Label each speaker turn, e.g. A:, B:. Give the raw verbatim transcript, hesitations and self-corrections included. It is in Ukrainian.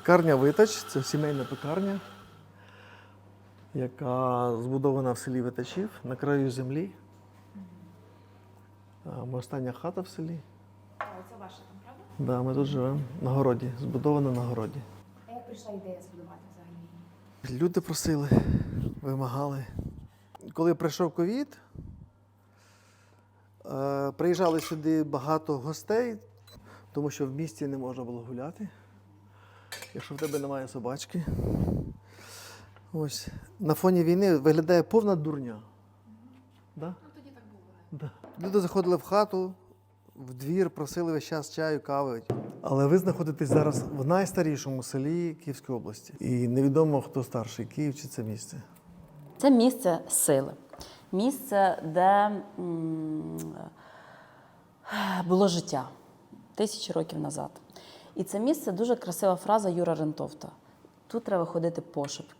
A: Пекарня Витач – це сімейна пекарня, яка збудована в селі Витачів на краю землі. Ми остання хата в селі.
B: А це ваша там, правда?
A: Так, да, ми тут живемо на городі, збудована на городі.
B: А як прийшла ідея збудувати взагалі?
A: Люди просили, вимагали. Коли прийшов ковід, е, приїжджали сюди багато гостей, тому що в місті не можна було гуляти, якщо в тебе немає собачки. Ось. На фоні війни виглядає повна дурня. Да?
B: Ну тоді так було.
A: Да. Люди заходили в хату, в двір, просили весь час чаю, кави. Але ви знаходитесь зараз в найстарішому селі Київської області. І невідомо, хто старший, Київ чи це місце.
C: Це місце сили. Місце, де м, було життя тисячі років назад. І це місце дуже красива фраза Юра Рентовта. Тут треба ходити пошепки.